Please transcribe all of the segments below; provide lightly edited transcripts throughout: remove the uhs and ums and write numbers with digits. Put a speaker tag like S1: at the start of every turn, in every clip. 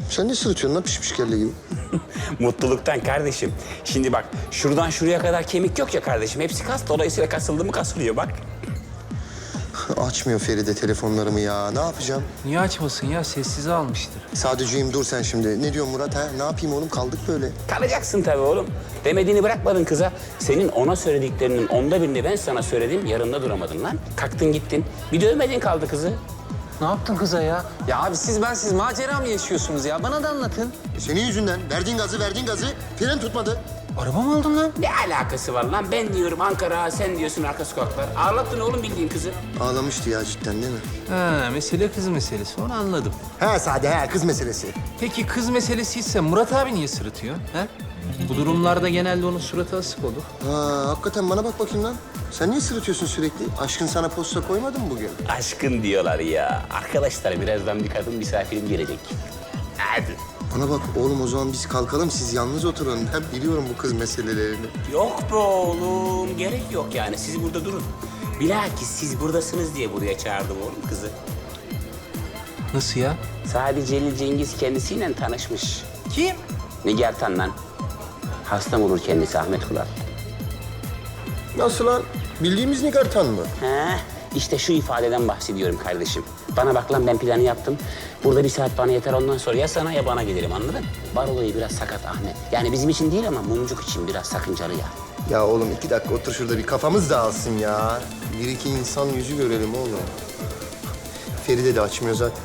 S1: Sen ne sırıtıyorsun lan piş piş kelle gibi?
S2: Mutluluktan kardeşim. Şimdi bak şuradan şuraya kadar kemik yok ya kardeşim. Hepsi kas. Dolayısıyla kasıldı mı kasılıyor bak.
S1: Açmıyor Feride telefonlarımı ya. Ne yapacağım?
S3: Niye açmasın ya? Sessize almıştır.
S1: Sadece'yim dur sen şimdi. Ne diyorsun Murat ha? Ne yapayım oğlum kaldık böyle.
S2: Kalacaksın tabii oğlum. Demediğini bırakmadın kıza. Senin ona söylediklerinin 1/10'ını ben sana söyledim. Yarında duramadın lan. Kalktın gittin. Bir dövmedin kaldı kızı.
S3: Ne yaptın kıza ya? Ya abi siz macera mı yaşıyorsunuz ya? Bana da anlatın.
S1: Senin yüzünden verdiğin gazı fren tutmadı.
S3: Araba mı aldın lan?
S2: Ne alakası var lan? Ben diyorum Ankara, sen diyorsun arka sokaklar. Ağlattın oğlum bildiğin kızı.
S1: Ağlamıştı ya cidden değil mi?
S3: Ha, mesele kız meselesi. Onu anladım.
S1: He Sade he kız meselesi.
S3: Peki kız meselesi ise Murat abi niye sırıtıyor? He? Bu durumlarda genelde onun suratı asık olur.
S1: Ha hakikaten bana bak bakayım lan. Sen niye sırıtıyorsun sürekli? Aşkın sana posta koymadı mı bugün?
S2: Aşkın diyorlar ya. Arkadaşlar birazdan bir kadın misafirim gelecek. Hadi.
S1: Bana bak oğlum o zaman biz kalkalım siz yalnız oturun. Ben biliyorum bu kız meselelerini.
S2: Yok be oğlum. Gerek yok yani. Siz burada durun. Bilakis siz buradasınız diye buraya çağırdım oğlum kızı.
S3: Nasıl ya?
S2: Sadece Celil Cengiz kendisiyle tanışmış.
S3: Kim?
S2: Nigar Tan lan. Hastam olur kendisi Ahmet Kural.
S1: Nasıl lan? Bildiğimiz Nigartan mı?
S2: He, işte şu ifadeden bahsediyorum kardeşim. Bana bak lan ben planı yaptım. Burada 1 saat bana yeter ondan sonra ya sana ya bana gelirim anladın? Bar olayı biraz sakat Ahmet. Yani bizim için değil ama mumcuk için biraz sakıncalı ya.
S1: Ya oğlum 2 dakika otur şurada bir kafamız dağılsın ya. Bir iki insan yüzü görelim oğlum. Feride de açmıyor zaten.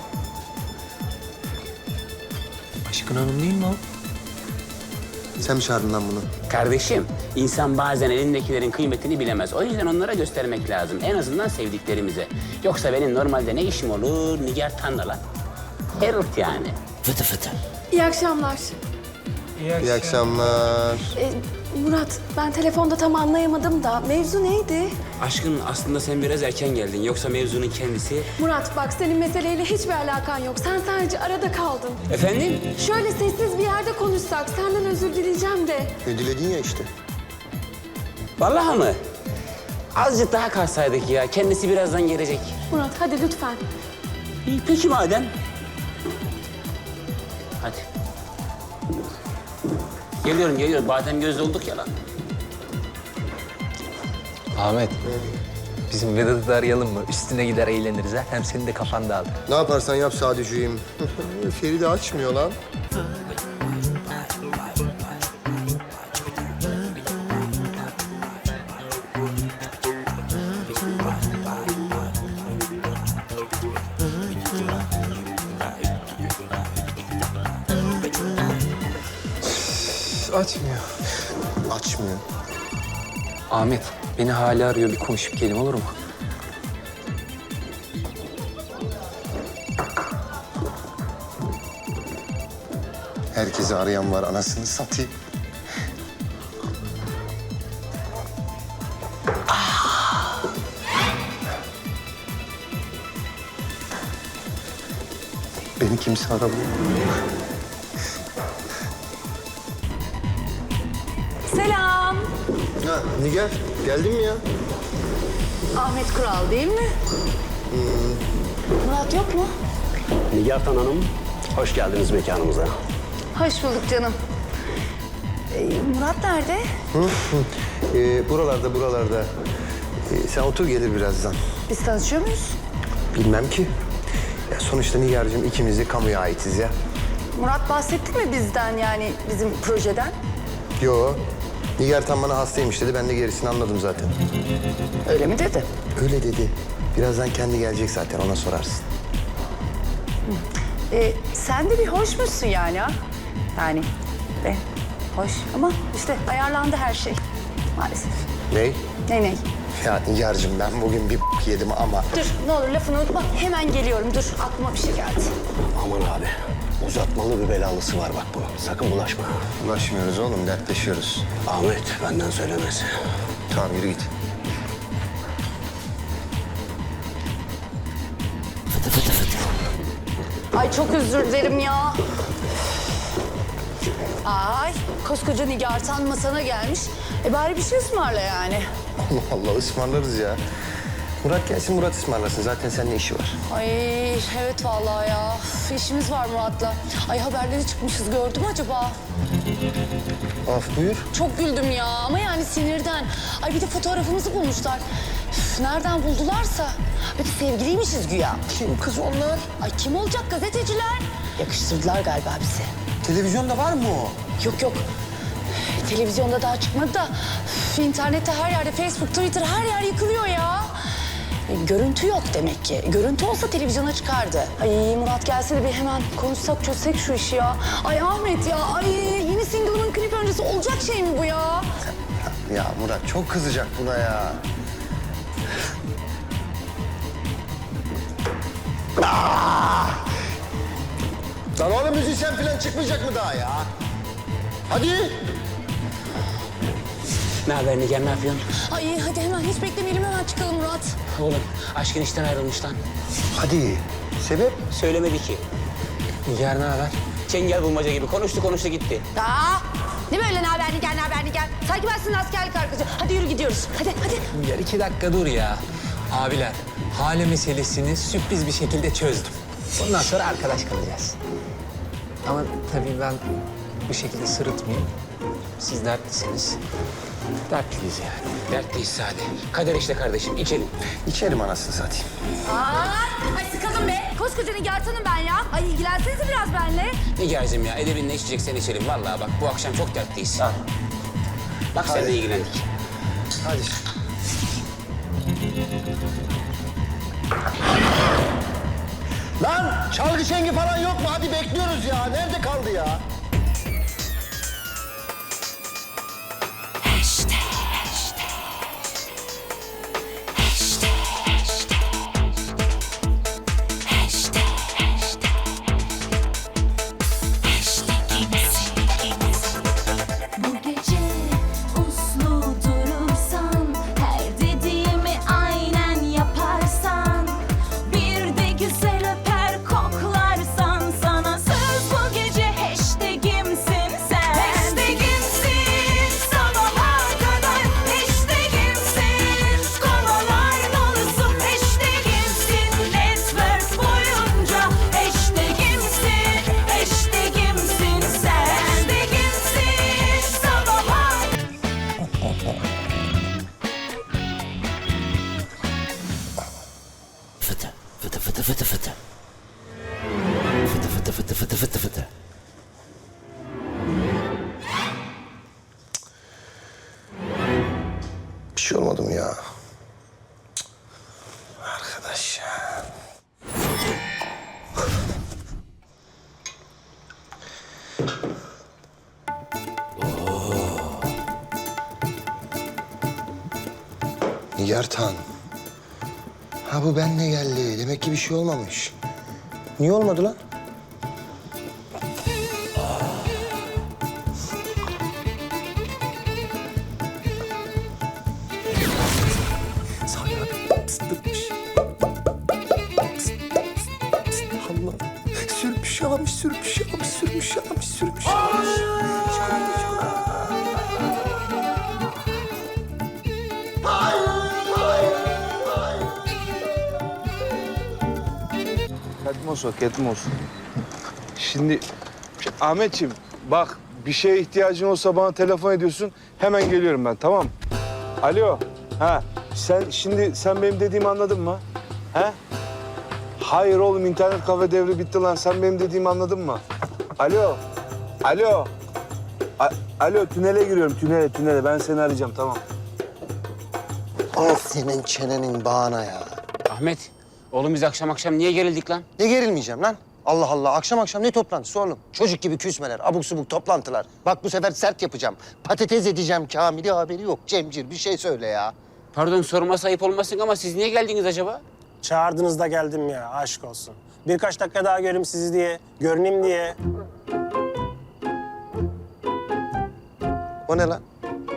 S3: Aşkın Hanım değil mi o?
S1: Sen mi çağırdın lan bunu?
S2: Kardeşim, insan bazen elindekilerin kıymetini bilemez. O yüzden onlara göstermek lazım. En azından sevdiklerimize. Yoksa benim normalde ne işim olur? Nigar Tan'la lan. Herif yani. Fıtı fıtı.
S4: İyi akşamlar.
S1: İyi akşamlar.
S4: Murat, ben telefonda tam anlayamadım da mevzu neydi?
S2: Aşkın aslında sen biraz erken geldin. Yoksa mevzunun kendisi...
S4: Murat bak senin meseleyle hiçbir alakan yok. Sen sadece arada kaldın.
S2: Efendim?
S4: Şöyle sessiz bir yerde konuşsak senden özür dileyeceğim de.
S1: Ne diledin ya işte.
S2: Vallahi mı? Azıcık daha kalsaydık ya. Kendisi birazdan gelecek.
S4: Murat hadi lütfen.
S2: İyi peki madem. Hadi. Geliyorum. Badem gözlü olduk ya lan.
S3: Ahmet. Bizim Vedat'ı da arayalım mı? Üstüne gider eğleniriz ha. Hem senin de kafan dağılır.
S1: Ne yaparsan yap Sadeciğim. Feride açmıyor lan.
S3: Açmıyor.
S1: Açmıyor.
S3: Ahmet, beni hala arıyor. Bir konuşup gelin olur mu?
S1: Herkesi arayan var anasını satayım. Beni kimse aramıyor.
S4: Selam.
S1: Ha Nigar geldin mi ya?
S4: Ahmet Kural değil mi? Murat yok mu?
S5: Nigar Hanım, hoş geldiniz mekanımıza.
S4: Hoş bulduk canım. Murat nerede?
S1: Buralarda. Sen otur gelir birazdan.
S4: Biz tanışıyor muyuz?
S1: Bilmem ki. Ya sonuçta Nigar'cığım ikimiz de kamuya aitiz ya.
S4: Murat bahsetti mi bizden yani bizim projeden?
S1: Yo. Nigar tam bana hastaymış dedi. Ben de gerisini anladım zaten.
S4: Öyle mi dedi?
S1: Öyle dedi. Birazdan kendi gelecek zaten ona sorarsın.
S4: Sen de bir hoşmuşsun yani ha? Yani hoş ama işte ayarlandı her şey maalesef.
S1: Ney?
S4: Ney?
S1: Ya Nigar'cığım ben bugün bir yedim ama...
S4: Dur ne olur lafını unutma hemen geliyorum dur aklıma bir şey geldi.
S5: Aman abi, uzatmalı bir belalısı var bak bunun. Sakın bulaşma.
S1: Ulaşmıyoruz oğlum, dertleşiyoruz.
S5: Ahmet, benden söylemesi.
S1: Tamam yürü git.
S4: Ay çok özür dilerim ya. Ay koskoca Nigar Tan masana gelmiş. Bari bir şey ısmarla yani.
S1: Allah Allah ısmarlarız ya. Murat gelsin, Murat ısmarlasın. Zaten seninle işi var.
S4: Ay evet vallahi ya. Üf, işimiz var Murat'la. Ay haberleri çıkmışız gördün mü acaba?
S1: Af buyur.
S4: Çok güldüm ya ama yani sinirden. Ay bir de fotoğrafımızı bulmuşlar. Üf, nereden buldularsa. Bir de sevgiliymişiz güya.
S1: Kim kız onlar?
S4: Ay kim olacak gazeteciler? Yakıştırdılar galiba bizi.
S1: Televizyonda var mı o?
S4: Yok yok. Televizyonda daha çıkmadı da üf, internette her yerde Facebook, Twitter her yer yıkılıyor ya. Görüntü yok demek ki. Görüntü olsa televizyona çıkardı. Ay Murat gelse de bir hemen konuşsak çözsek şu işi ya. Ay Ahmet ya, ay yeni single'ımın klip öncesi olacak şey mi bu ya?
S1: Ya Murat çok kızacak buna ya. Lan oğlum müzisyen falan çıkmayacak mı daha ya? Hadi.
S2: Ne haber Nigar, ne yapıyorsun?
S4: Ay hadi hemen hiç beklemeyelim hemen çıkalım Murat.
S2: Oğlum aşkın işten ayrılmış lan.
S1: Hadi. Sebep?
S2: Söylemedi ki.
S3: Nigar ne haber?
S2: Çengel bulmaca gibi konuştu gitti.
S4: Aa, ne böyle ne haber Nigar, ne haber Nigar? Sanki ben senin askerlik arkadaşı. Hadi yürü gidiyoruz. Hadi.
S3: Nigar 2 dakika dur ya. Abiler, hale meselesini sürpriz bir şekilde çözdüm. Bundan sonra arkadaş kalacağız. Ama tabii ben bu şekilde sırıtmayayım. Siz dertlisiniz. Dertliyiz yani.
S2: Dertliyiz Sade. Kader işte kardeşim, içelim.
S1: İçerim anasını satayım.
S4: Ay sıkıldım be. Koskoca Nigar'tanım ben ya. Ay ilgilensenize biraz benimle.
S2: Nigar'cığım ya, edebinle içeceksen içelim. Vallahi bak bu akşam çok dertliyiz. Bak
S1: Hadi.
S2: seninle ilgilendik.
S1: Hadi. Lan çalgı şengi falan yok mu? Hadi bekliyoruz ya. Nerede kaldı ya?
S6: Bu gece uslu durursan, her dediğimi aynen yaparsan, bir de güzel öper koklarsan, sana söz bu gece hashtagimsin sen. Hashtagimsin sabaha kadar, hashtagimsin kovalar dolusu, hashtagimsin network boyunca, hashtagimsin, hashtagimsin sen. Hashtagimsin sabaha.
S5: Fıtı, fıtı, fıtı, fıtı, fıtı. Fıtı, fıtı, fıtı, fıtı, fıtı, fıtı.
S1: Bir şey olmadı mı ya? Cık. Arkadaş ya. Nigartan. Ha bu benle geldi. Demek ki bir şey olmamış. Niye olmadı lan?
S5: Sami abi pıstırmış.
S1: Allah. Sürmüş yalamış, sürmüş yalamış, sürmüş yalamış, sürmüş yalamış.
S7: Ketmos o, ketmos. Şimdi Ahmetciğim bak bir şeye ihtiyacın olsa bana telefon ediyorsun. Hemen geliyorum ben, tamam mı? Alo. Ha, sen benim dediğimi anladın mı? He? Hayır oğlum, internet kafe devri bitti lan. Sen benim dediğimi anladın mı? Alo. Alo. Alo, tünele giriyorum, tünele. Ben seni arayacağım, tamam.
S1: Al senin çenenin bağına ya.
S2: Ahmet, oğlum biz akşam niye gerildik lan?
S1: Ne gerilmeyeceğim lan? Allah Allah, akşam ne toplantısı oğlum? Çocuk gibi küsmeler, abuk subuk toplantılar. Bak bu sefer sert yapacağım. Patates edeceğim Kamil'i, haberi yok. Cemcir bir şey söyle ya.
S2: Pardon sorma ayıp olmasın ama siz niye geldiniz acaba?
S8: Çağırdınız da geldim ya, aşk olsun. Birkaç dakika daha göreyim sizi diye, görüneyim diye.
S1: O ne lan?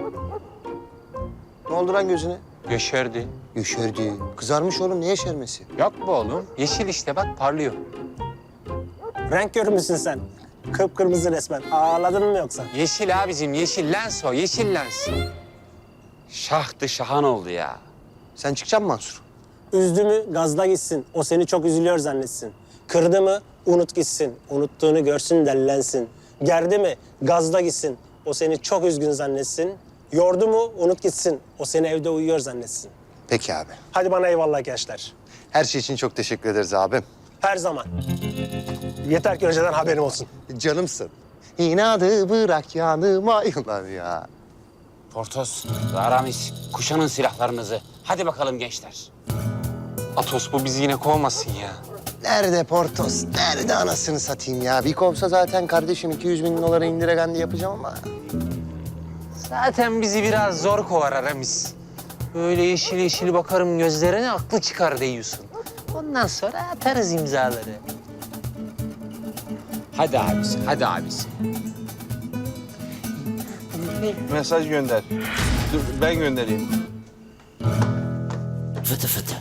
S1: Ne oldu lan gözüne?
S3: Yeşerdi.
S1: Yeşerdi. Kızarmış oğlum, ne yeşermesi?
S3: Yok bu oğlum. Yeşil işte bak parlıyor.
S8: Renk görmüşsün sen. Kıpkırmızı resmen. Ağladın mı yoksa?
S3: Yeşil abicim, yeşil lens o, yeşil lens.
S2: Şahtı şahan oldu ya.
S1: Sen çıkacaksın Mansur.
S8: Üzdü mü gazla gitsin. O seni çok üzülüyor zannetsin. Kırdı mı unut gitsin. Unuttuğunu görsün dellensin. Gerdi mi gazla gitsin. O seni çok üzgün zannetsin. Yordu mu unut gitsin. O seni evde uyuyor zannetsin.
S1: Peki abi.
S8: Hadi bana eyvallah gençler.
S1: Her şey için çok teşekkür ederiz abim.
S8: Her zaman. Yeter ki önceden haberim olsun.
S1: Canımsın. İnadı bırak yanıma yıllar ya.
S2: Portos ve Aramis, kuşanın silahlarınızı. Hadi bakalım gençler.
S3: Atos bu bizi yine kovmasın ya.
S1: Nerede Portos? Nerede anasını satayım ya? Bir kovsa zaten kardeşim 200 bin dolara indiregendi yapacağım ama.
S3: Zaten bizi biraz zor kovar Aramis. Böyle yeşil yeşil bakarım gözlerine, aklı çıkar diyorsun. Ondan sonra atarız imzaları.
S2: Hadi abisi, hadi abisi.
S7: Mesaj gönder. Dur ben göndereyim.
S2: Fıtı fıtı.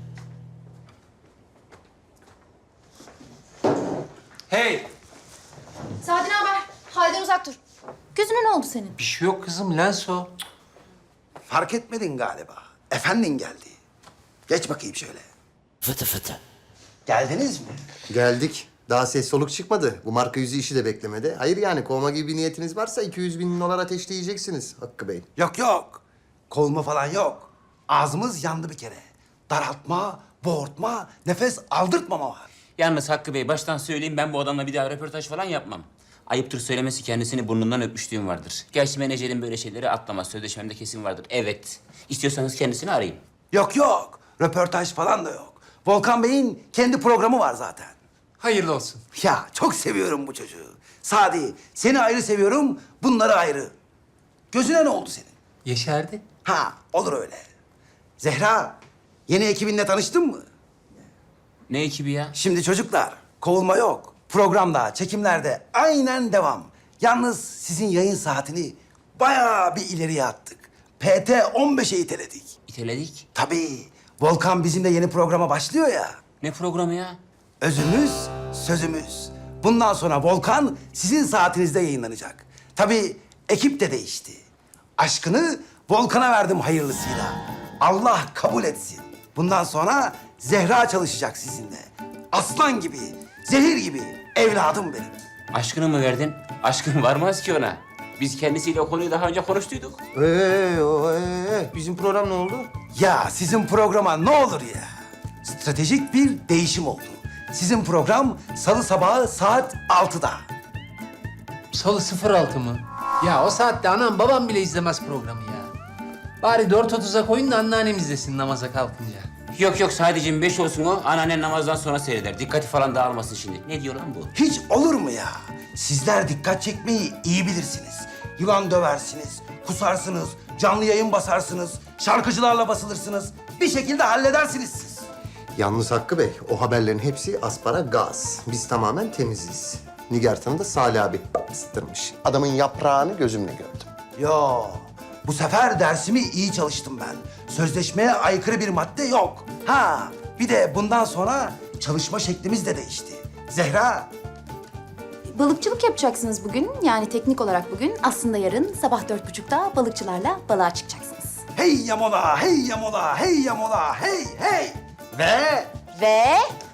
S3: Hey!
S9: Sadi ne haber? Halden uzak dur. Gözüne ne oldu senin?
S3: Bir şey yok kızım, lens o.
S5: Fark etmedin galiba. Efendin geldi. Geç bakayım şöyle.
S2: Fıtı fıtı.
S5: Geldiniz mi?
S1: Geldik. Daha ses soluk çıkmadı. Bu marka yüzü işi de beklemedi. Hayır yani kovma gibi bir niyetiniz varsa 200 bin dolar ateşleyeceksiniz Hakkı Bey.
S5: Yok yok. Kovulma falan yok. Ağzımız yandı bir kere. Daraltma, boğurtma, nefes aldırtmama var.
S2: Yalnız Hakkı Bey, baştan söyleyeyim, ben bu adamla bir daha röportaj falan yapmam. Ayıptır söylemesi, kendisini burnundan öpmüşlüğüm vardır. Gerçi menajerin böyle şeyleri atlamaz, sözleşmemde kesin vardır. Evet, istiyorsanız kendisini arayın.
S5: Yok yok. Röportaj falan da yok. Volkan Bey'in kendi programı var zaten.
S3: Hayırlı olsun.
S5: Ya çok seviyorum bu çocuğu. Sadi, seni ayrı seviyorum, bunları ayrı. Gözüne ne oldu senin?
S3: Yeşerdi.
S5: Ha, olur öyle. Zehra, yeni ekibinle tanıştın mı?
S2: Ne ekibi ya?
S5: Şimdi çocuklar, kovulma yok. Programda, çekimlerde aynen devam. Yalnız sizin yayın saatini bayağı bir ileriye attık. PT 15'e iteledik.
S2: İteledik.
S5: Tabii, Volkan bizimle yeni programa başlıyor ya.
S2: Ne programı ya?
S5: Özümüz, sözümüz. Bundan sonra Volkan sizin saatinizde yayınlanacak. Tabii ekip de değişti. Aşkını Volkan'a verdim hayırlısıyla. Allah kabul etsin. Bundan sonra Zehra çalışacak sizinle. Aslan gibi, zehir gibi evladım benim.
S2: Aşkını mı verdin? Aşkın varmaz ki ona. Biz kendisiyle o konuyu daha önce konuştuyduk.
S1: Bizim program ne oldu?
S5: Ya sizin programa ne olur ya. Stratejik bir değişim oldu. Sizin program salı sabahı saat 6'da.
S3: Salı 06 mı? Ya o saatte anam babam bile izlemez programı ya. Bari 4.30'a koyun da anneannem izlesin namaza kalkınca.
S2: Yok yok, sadece 5 olsun o. Anneannen namazdan sonra seyreder. Dikkati falan dağılmasın şimdi. Ne diyor lan bu?
S5: Hiç olur mu ya? Sizler dikkat çekmeyi iyi bilirsiniz. Yılan döversiniz, kusarsınız, canlı yayın basarsınız, şarkıcılarla basılırsınız. Bir şekilde halledersiniz siz.
S1: Yalnız Hakkı Bey, o haberlerin hepsi asparagas. Biz tamamen temiziz. Nigartan'ı da Salih abi ısıtırmış. Adamın yaprağını gözümle gördüm.
S5: Yo, bu sefer dersimi iyi çalıştım ben. Sözleşmeye aykırı bir madde yok. Ha, bir de bundan sonra çalışma şeklimiz de değişti. Zehra,
S9: Balıkçılık yapacaksınız bugün. Yani teknik olarak bugün. Aslında yarın sabah 4.30'da balıkçılarla balığa çıkacaksınız.
S5: hey yamola, hey yamola, hey yamola, hey hey. Ve
S9: Ve...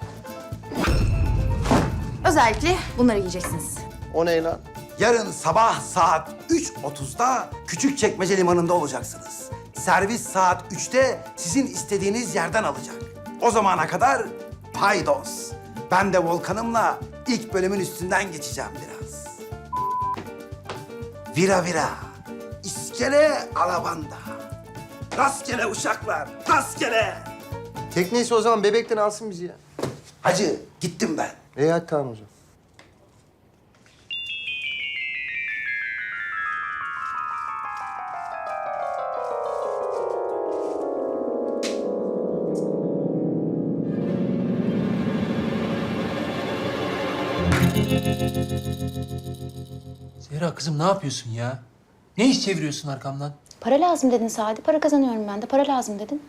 S9: Özellikle bunları yiyeceksiniz.
S1: O ne lan?
S5: yarın sabah saat 3.30'da Küçükçekmece Limanı'nda olacaksınız. Servis saat 3'te sizin istediğiniz yerden alacak. O zamana kadar paydos. Ben de Volkan'ımla ilk bölümün üstünden geçeceğim biraz. Vira vira, iskele alabanda. Rastgele uşaklar, rastgele.
S1: Tekneyse o zaman bebekten alsın bizi ya.
S5: Hacı, gittim ben.
S1: Hadi tamam o zaman.
S3: Zehra kızım ne yapıyorsun ya? Ne iş çeviriyorsun arkamdan?
S9: Para lazım dedin Sadi. Para kazanıyorum ben de. Para lazım dedin.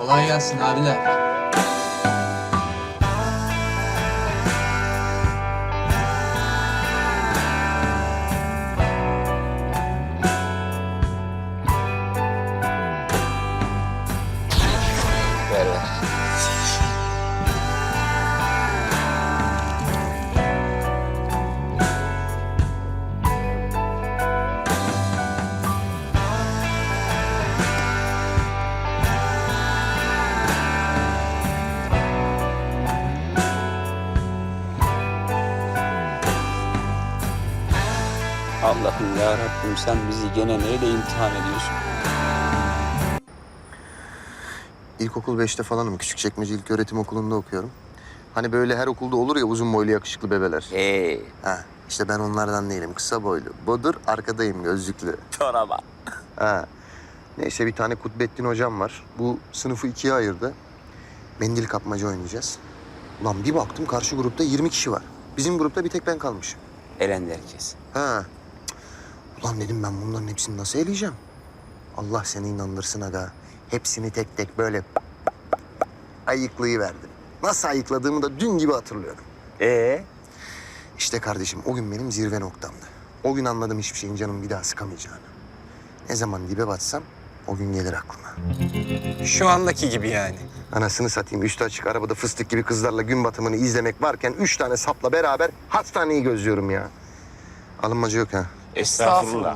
S3: Kolay gelsin abiler.
S2: Ver ver. Allah'ım ya Rabbim sen bizi gene neyle imtihan ediyorsun?
S1: İlkokul 5'te falanım. Küçükçekmece İlköğretim Okulu'nda okuyorum. Hani böyle her okulda olur ya uzun boylu yakışıklı bebeler. Ha, işte ben onlardan değilim. Kısa boylu. Budur, arkadayım gözlüklü.
S2: Çoraba.
S1: Ha. Neyse bir tane Kutbettin hocam var. Bu sınıfı ikiye ayırdı. Mendil kapmaca oynayacağız. Ulan bir baktım karşı grupta 20 kişi var. Bizim grupta bir tek ben kalmışım.
S2: Elendi herkes.
S1: Ha. Cık. Ulan dedim ben bunların hepsini nasıl eleyeceğim? Allah seni inandırsın aga. Hepsini tek tek böyle ayıklayıverdim. Nasıl ayıkladığımı da dün gibi hatırlıyorum. İşte kardeşim o gün benim zirve noktamdı. O gün anladım hiçbir şeyin canımı bir daha sıkamayacağını. Ne zaman dibe batsam o gün gelir aklıma.
S3: Şu andaki gibi yani.
S1: Anasını satayım üstü açık arabada fıstık gibi kızlarla gün batımını izlemek varken 3 tane sapla beraber hastaneyi gözlüyorum ya. Alınmacı yok ha.
S2: Estağfurullah.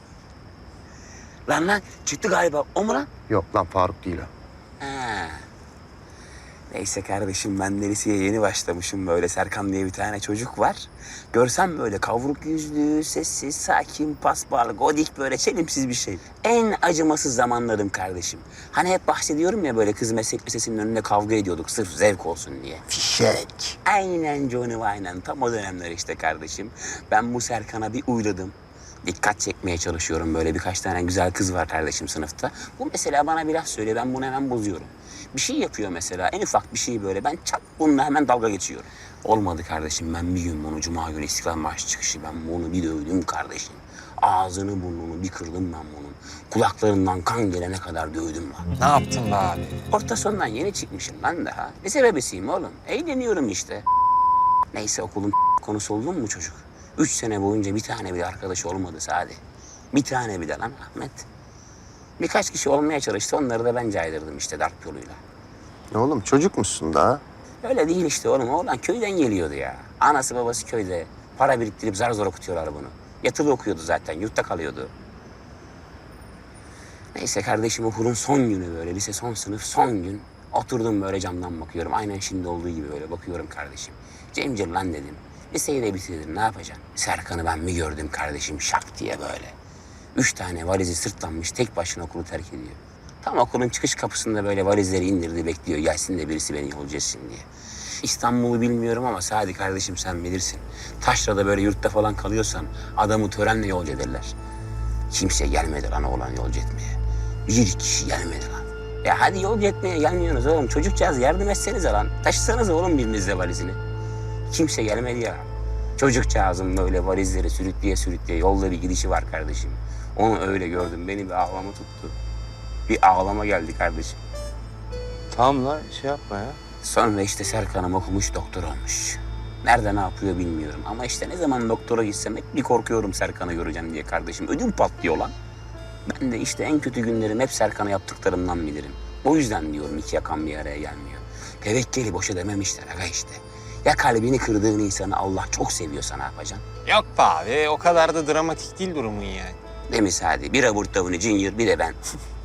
S2: Lan çıktı galiba. O mu lan?
S1: Yok lan Faruk değil o.
S2: Ha. Neyse kardeşim ben de liseye yeni başlamışım böyle. Serkan diye bir tane çocuk var. Görsem böyle kavruk yüzlü, sessiz, sakin, paspal, godik böyle çelimsiz bir şey. En acımasız zamanlarım kardeşim. Hani hep bahsediyorum ya böyle kız meslek lisesinin önünde kavga ediyorduk sırf zevk olsun diye.
S1: Fişek.
S2: Aynen Johnny aynen tam o dönemler işte kardeşim. Ben bu Serkan'a bir uyladım. Dikkat çekmeye çalışıyorum böyle birkaç tane güzel kız var kardeşim sınıfta. Bu mesela bana bir laf söylüyor ben bunu hemen bozuyorum. Bir şey yapıyor mesela en ufak bir şey böyle ben çat bununla hemen dalga geçiyorum. Olmadı kardeşim ben bir gün bunu Cuma günü İstiklal Marşı çıkışı ben bunu bir dövdüm kardeşim. Ağzını burnunu bir kırdım ben bunun. Kulaklarından kan gelene kadar dövdüm lan.
S3: Ne yaptın be abi?
S2: Orta sondan yeni çıkmışım ben daha. Lise bebesiyim oğlum. Eğleniyorum işte. Neyse okulun konusu oldun mu çocuk? 3 sene boyunca bir tane bile arkadaş olmadı Sadi. Bir tane bile lan Ahmet. Birkaç kişi olmaya çalıştı onları da ben caydırdım işte darp yoluyla.
S1: Ne oğlum çocuk musun daha?
S2: Öyle değil işte oğlum. Oğlan köyden geliyordu ya. Anası babası köyde. Para biriktirip zar zor okutuyorlar bunu. Yatılı okuyordu zaten. Yurtta kalıyordu. Neyse kardeşim okulun son günü böyle. Lise son sınıf son gün. Oturdum böyle camdan bakıyorum. Aynen şimdi olduğu gibi böyle bakıyorum kardeşim. Cemcir lan dedim. Liseyi de bitirdim ne yapacaksın? Serkan'ı ben mi gördüm kardeşim şak diye böyle. 3 tane valizi sırtlanmış tek başına okulu terk ediyor. Tam okulun çıkış kapısında böyle valizleri indirdi bekliyor. Gelsin de birisi beni yolcu etsin diye. İstanbul'u bilmiyorum ama Sadi kardeşim sen bilirsin. Taşra'da böyle yurtta falan kalıyorsan adamı törenle yolcu ederler. Kimse gelmedi lan oğlan yolcu etmeye. Bir kişi gelmedi lan. Ya hadi yolcu etmeye gelmiyorsunuz oğlum. Çocukcağız yardım etsenize lan. Taşısanız oğlum birinizle valizini. Kimse gelmedi ya. Çocukcağızın böyle valizleri sürükleye yolda bir gidişi var kardeşim. Onu öyle gördüm. Beni bir ağlama tuttu. Bir ağlama geldi kardeşim.
S7: Tamam lan şey yapma ya.
S2: Sonra işte Serkan'ım okumuş doktor olmuş. Nerede ne yapıyor bilmiyorum. Ama işte ne zaman doktora gitsem hep bir korkuyorum Serkan'ı göreceğim diye kardeşim. Ödüm patlıyor lan. Ben de işte en kötü günlerim hep Serkan'a yaptıklarımdan bilirim. O yüzden diyorum iki yakan bir araya gelmiyor. Tevekkeli boşa dememişler aga işte. Ya kalbini kırdığın insanı Allah çok seviyorsa ne yapacaksın?
S3: Yok be abi o kadar da dramatik değil durumun yani.
S2: Değil mi Sadi? Bir Robert Downey Jr. bir de ben.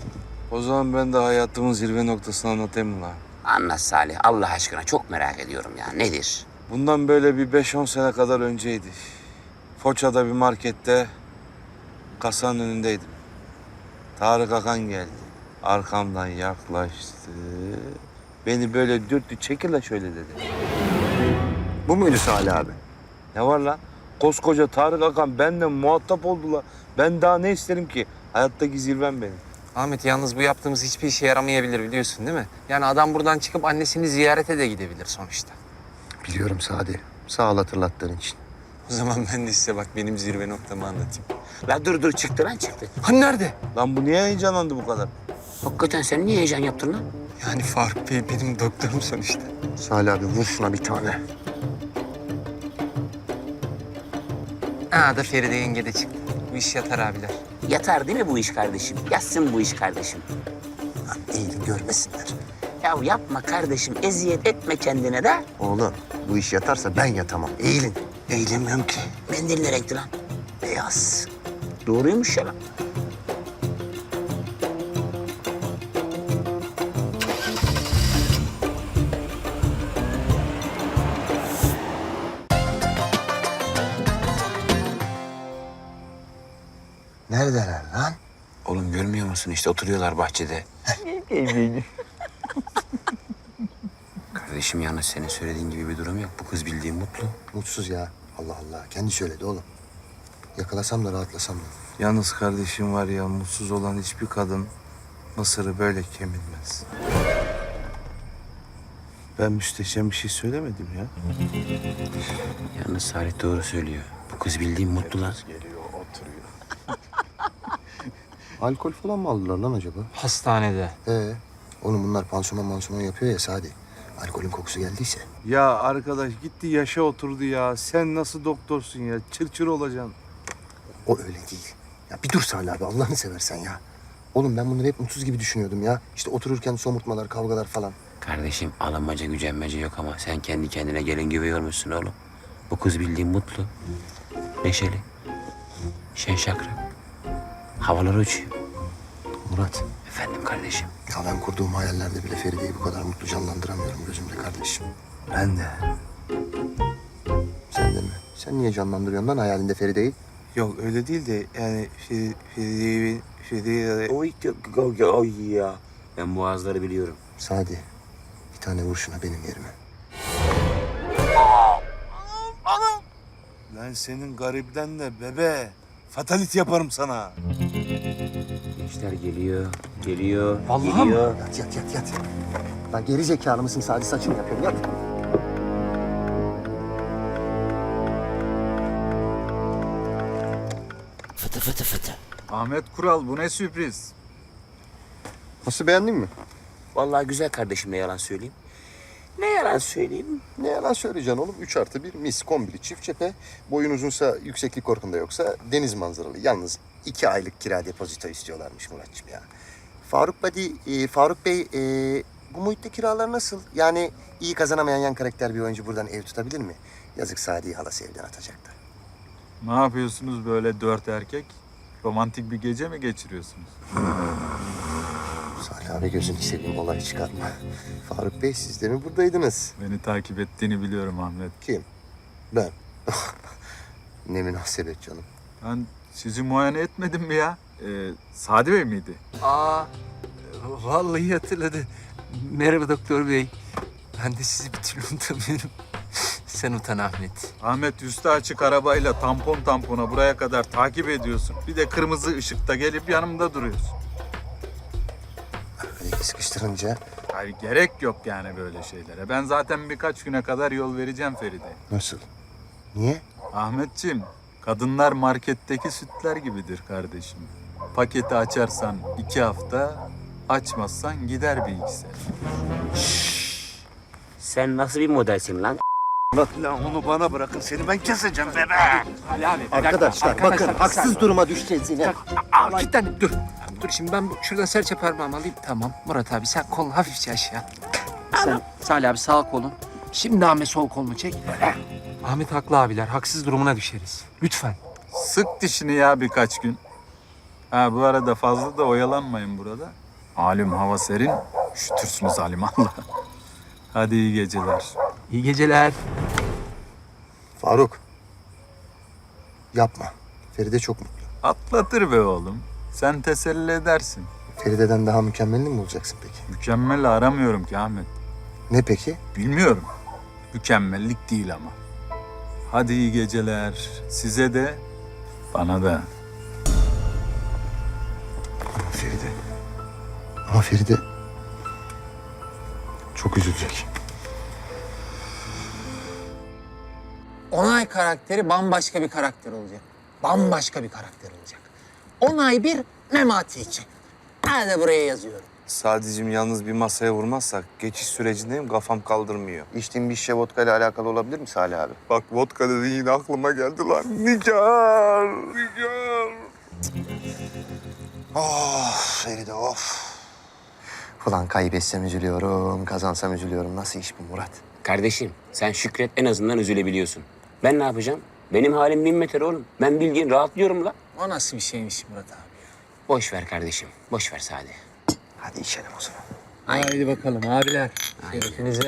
S7: O zaman ben de hayatımın zirve noktasını anlatayım mı lan?
S2: Anlat Salih Allah aşkına çok merak ediyorum ya. Nedir?
S7: Bundan böyle bir 5-10 sene kadar önceydi. Foça'da bir markette kasanın önündeydim. Tarık Akan geldi. Arkamdan yaklaştı. Beni böyle dürttü. Çekil la şöyle dedi.
S1: Bu muydu Salih abi?
S7: Ne var lan? Koskoca Tarık Akan benden muhatap oldular. Ben daha ne isterim ki? Hayattaki zirvem benim.
S3: Ahmet yalnız bu yaptığımız hiçbir işe yaramayabilir biliyorsun değil mi? Yani adam buradan çıkıp annesini ziyarete de gidebilir sonuçta.
S1: Biliyorum Sadi. Sağ ol hatırlattığın için.
S3: O zaman ben de size bak benim zirve noktamı anlatayım.
S2: La dur çıktı lan çıktı.
S3: Hani nerede?
S7: Lan bu niye heyecanlandı bu kadar?
S2: Hakikaten sen niye heyecan yaptın lan?
S3: Yani Faruk Bey benim doktorum sonuçta.
S1: Salih abi vur şuna bir tane.
S3: Aa da Feride yenge de çıktı. Bu iş yatar abiler.
S2: Yatar değil mi bu iş kardeşim? Yatsın bu iş kardeşim.
S1: Lan eğilin görmesinler.
S2: Ya yapma kardeşim, eziyet etme kendine de.
S1: Oğlum bu iş yatarsa ben yatamam. Eğilin. Eğilemiyorum ki.
S2: Mendil ne renkti lan?
S1: Beyaz.
S2: Doğruymuş ya lan.
S1: Neredeler lan?
S2: Oğlum görmüyor musun işte oturuyorlar bahçede. Kardeşim yalnız senin söylediğin gibi bir durum yok. Bu kız bildiğin mutlu.
S1: Mutsuz ya. Allah Allah. Kendi söyledi oğlum. Yakalasam da rahatlasam da.
S7: Yalnız kardeşim var ya, mutsuz olan hiçbir kadın mısırı böyle kemirmez. Ben müsteşem bir şey söylemedim ya.
S2: Yalnız Salih doğru söylüyor. Bu kız bildiğin mutlu lan.
S1: Alkol falan mı aldılar lan acaba?
S3: Hastanede.
S1: Oğlum bunlar pansuman yapıyor ya Sadi. Alkolün kokusu geldiyse.
S7: Ya arkadaş gitti yaşa oturdu ya. Sen nasıl doktorsun ya? Çır olacaksın.
S1: O öyle değil. Ya bir dur Salih abi Allah'ını seversen ya. Oğlum ben bunları hep mutsuz gibi düşünüyordum ya. İşte otururken somurtmalar, kavgalar falan.
S2: Kardeşim alınmaca gücenmece yok ama sen kendi kendine gelin gibi yormuşsun oğlum. Bu kız bildiğin mutlu, neşeli, şen şakrak. Havalar uçuyor.
S1: Murat.
S2: Efendim kardeşim.
S1: Ya ben kurduğum hayallerde bile Feride'yi bu kadar mutlu canlandıramıyorum gözümde kardeşim.
S7: Ben de.
S1: Sen de mi? Sen niye canlandırıyorsun lan hayalinde Feride'yi?
S7: Yok öyle değil de yani Feride'yi...
S2: Oy ya. Ben boğazları biliyorum.
S1: Sadi. Bir tane vur şuna benim yerime.
S7: Ben senin garibden de bebe. Fatalit yaparım sana.
S2: Gençler geliyor,
S3: Vallahi
S2: geliyor.
S1: Yat. Lan geri zekalı mısın Sadi saçını yapıyorum yat.
S2: Fıtı fıtı fıtı.
S10: Ahmet Kural, bu ne sürpriz?
S1: Nasıl beğendin mi?
S2: Vallahi güzel kardeşim ne yalan söyleyeyim. Ne yalan söyleyeyim?
S1: Ne yalan söyleyeceksin oğlum. 3+1 mis kombili çift cephe. Boyun uzunsa yükseklik korkunda yoksa deniz manzaralı. Yalnız 2 aylık kira depozito istiyorlarmış Muratçım ya. Faruk Bey bu muhitte kiralar nasıl? Yani iyi kazanamayan yan karakter bir oyuncu buradan ev tutabilir mi? Yazık Sadi'yi halası evden atacaktı.
S10: Ne yapıyorsunuz böyle 4 erkek? Romantik bir gece mi geçiriyorsunuz?
S1: Salih abi gözünü seveyim olay çıkarma. Faruk Bey siz de mi buradaydınız?
S10: Beni takip ettiğini biliyorum Ahmet.
S1: Kim? Ben. Ne münasebet canım.
S10: Ben sizi muayene etmedim mi ya? Sadi Bey miydi?
S3: Aa, vallahi hatırladı. Merhaba doktor bey. Ben de sizi bir türlü unutamıyorum. Sen utan Ahmet.
S10: Ahmet üstü açık arabayla tampon tampona buraya kadar takip ediyorsun. Bir de kırmızı ışıkta gelip yanımda duruyorsun.
S1: Öyle sıkıştırınca
S10: Hayır gerek yok yani böyle şeylere. Ben zaten birkaç güne kadar yol vereceğim Feride.
S1: nasıl? Niye?
S10: Ahmetciğim, kadınlar marketteki sütler gibidir kardeşim. Paketi açarsan 2 hafta, açmazsan gider bir 2 sene.
S2: Sen nasıl bir modelsin lan?
S7: Lan onu bana bırakın, seni ben keseceğim bebe.
S3: Ali abi.
S1: Arkadaşlar bakın haksız duruma düşeceğiz yine.
S3: Aa, git lan dur. Dur şimdi ben şuradan serçe parmağımı alayım. Tamam Murat abi sen kolunu hafifçe aşağı. Sen Salih abi sağ kolun. Şimdi Ahmet sol kolunu çek. Ahmet haklı abiler. Haksız durumuna düşeriz. Lütfen.
S10: Sık dişini ya birkaç gün. Ha bu arada fazla da oyalanmayın burada. Malum hava serin, üşütürsünüz alimallah. Hadi iyi geceler.
S3: İyi geceler.
S1: Faruk. Yapma. Feride çok mutlu.
S10: Atlatır be oğlum. Sen teselli edersin.
S1: Feride'den daha mükemmelini mi bulacaksın peki?
S10: Mükemmel aramıyorum ki Ahmet.
S1: Ne peki?
S10: Bilmiyorum. Mükemmellik değil ama. Hadi iyi geceler. Size de, bana da.
S1: Feride. Ama Feride çok üzülecek.
S3: Onay karakteri bambaşka bir karakter olacak. Bambaşka bir karakter olacak. Onay bir Memati için. Hadi buraya yazıyorum.
S7: Sadicim yalnız bir masaya vurmazsak geçiş sürecindeyim, kafam kaldırmıyor.
S1: İçtiğin bir şişe vodka ile alakalı olabilir mi Salih abi?
S7: Bak vodka dedin yine aklıma geldi lan. Nigar, Nigar.
S1: Of Feride of. Ulan kaybetsem üzülüyorum, kazansam üzülüyorum. Nasıl iş bu Murat?
S2: Kardeşim sen şükret en azından üzülebiliyorsun. Ben ne yapacağım? Benim halim 1000 metre oğlum. Ben bildiğin rahatlıyorum la.
S3: O nasıl bir şeymiş Murat abi?
S2: Boş ver kardeşim. Boş ver Sadi.
S1: Hadi içelim o zaman.
S3: Haydi bakalım abiler. Şerefinize.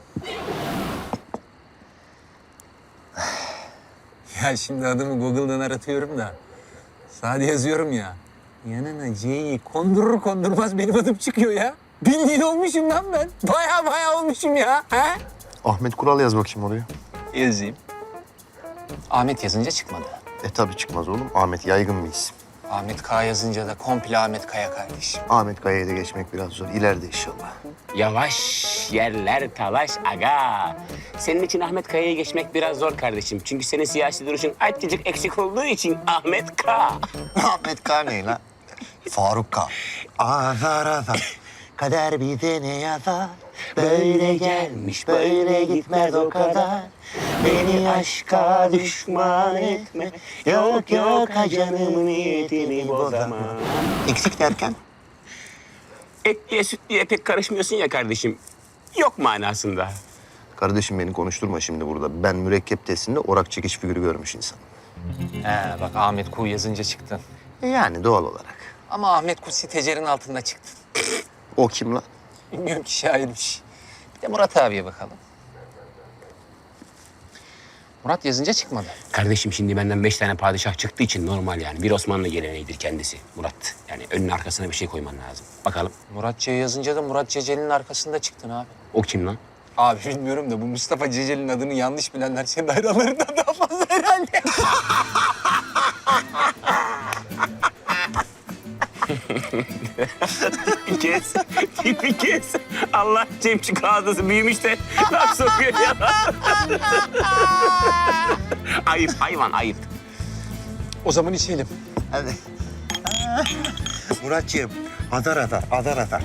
S3: Ya şimdi adımı Google'dan aratıyorum da. Sadece yazıyorum ya. Yanına C'yi kondurur kondurmaz benim adım çıkıyor ya. Bildiğin olmuşum lan ben. Baya olmuşum ya. He?
S1: Ahmet Kural yaz bakayım oraya.
S3: Yazayım. Ahmet yazınca çıkmadı.
S1: Tabii çıkmaz oğlum. Ahmet yaygın bir isim.
S3: Ahmet K yazınca da komple Ahmet Kaya kardeşim.
S1: Ahmet Kaya'ya da geçmek biraz zor. İleride inşallah.
S2: Yavaş yerler talaş aga. Senin için Ahmet Kaya'ya geçmek biraz zor kardeşim. Çünkü senin siyasi duruşun azıcık eksik olduğu için Ahmet K.
S1: Ahmet K ne lan? Faruk K. Azar azar. Kader bize ne yazar?
S2: Böyle gelmiş böyle gitmez o kadar. Beni aşka düşman etme. Yok yok ha canımın niyetini bozama.
S1: Eksik derken?
S2: Etliye sütliye pek karışmıyorsun ya kardeşim. Yok manasında.
S1: Kardeşim beni konuşturma şimdi burada. Ben mürekkep testinde orak çekiş figürü görmüş insan.
S3: He bak Ahmet Ku yazınca çıktın.
S1: Yani doğal olarak.
S3: Ama Ahmet Ku sitecerin altında çıktın.
S1: O kim lan?
S3: Bilmiyorum ki şairmiş. Bir de Murat abiye bakalım. Murat yazınca çıkmadı.
S2: Kardeşim şimdi benden 5 tane padişah çıktığı için normal yani. Bir Osmanlı geleneğidir kendisi Murat. Yani önüne arkasına bir şey koyman lazım. Bakalım
S3: Murat C yazınca da Murat Ceceli'nin arkasında çıktın abi.
S2: o kim lan?
S3: Abi bilmiyorum da bu Mustafa Ceceli'nin adını yanlış bilenler senin hayranlarından daha fazla herhalde.
S2: kes, tipi kes. Allah Cemçik ağzısı büyümüş de laf sokuyor ya. Ayıp hayvan ayıp.
S3: O zaman içelim.
S1: Hadi. Muratcığım, adar adar, adar adar.